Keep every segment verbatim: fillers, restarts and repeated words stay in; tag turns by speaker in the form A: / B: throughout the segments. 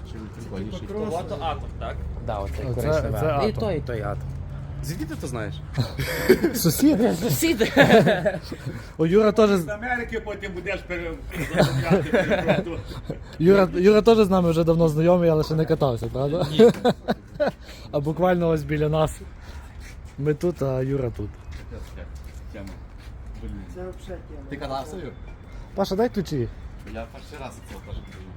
A: чи прикольніший?
B: Ото атом, так?
C: Да, оцей
D: Оце-
C: коричневий
D: це
C: атом. І
D: атом.
C: той, і той атом.
A: Звідки ти то знаєш?
D: Сусіди.
C: Сусіди.
D: О, Юра теж,
E: З Америки потім будеш переробляти.
D: Юра, Юра теж з нами вже давно знайомий, але ще не катався, правда?
B: Ні.
D: А буквально ось біля нас. Ми тут, а Юра тут.
A: Тема. Блін.
F: Це взагалі тема.
A: Ти катався, Юр?
D: Паша, дай ключі.
A: Я перший раз це теж кажу.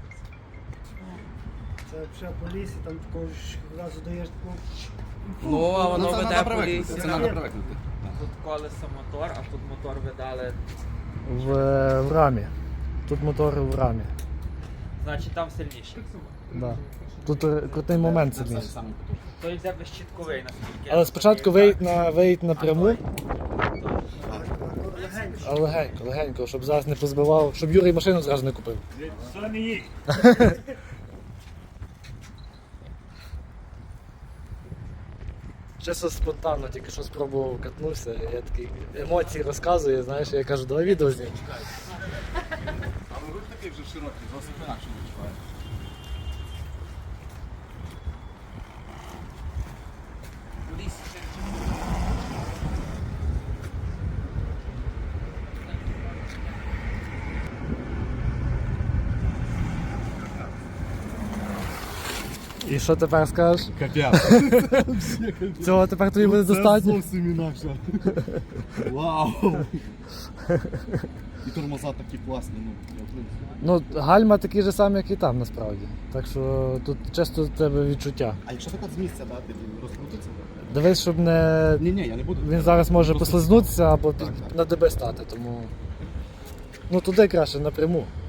F: Це взагалі по лісі, там такого ж разу даєш таку.
B: Ну, а воно
A: це
B: веде
A: треба
B: по
A: привикнути,
B: лісі.
A: Це треба привикнути.
B: Тут колесо мотор, а тут мотор видали.
D: В, в рамі. Тут мотор в рамі.
B: Значить там сильніше.
D: Да. Тут е, крутий момент
A: Це
D: сильніший.
A: саме потужний.
B: Той йде безщітковий, наскільки.
D: Але спочатку виїдь на, виїдь напряму,
F: Легенько.
D: а легенько, легенько, щоб зараз не позбивав, щоб Юрій машину зразу не купив.
E: Що не їдь?
D: Чесно спонтанно, тільки що спробував катнувся, я такий емоції розказую, знаєш, я кажу, давай відео знімемо.
A: Але рух такий вже широкий, зовсім інакше відчуває.
B: В лісі.
D: І що тепер скажеш?
A: Капець.
D: Цього тепер тобі буде достатньо?
A: зовсім інакше. Вау. І тормоза такі класні, ну, я в принципі.
D: Ну, гальма такі ж самі, як і там насправді. Так що тут чисто в тебе відчуття.
A: А якщо так от з місця дати, він розкрутиться?
D: Дивись, щоб не.
A: Ні-ні, я не буду.
D: Він зараз може
A: Просто-
D: послизнутися або
A: Так,
D: під...
A: так.
D: на ДБ стати, тому. Ну туди краще напряму.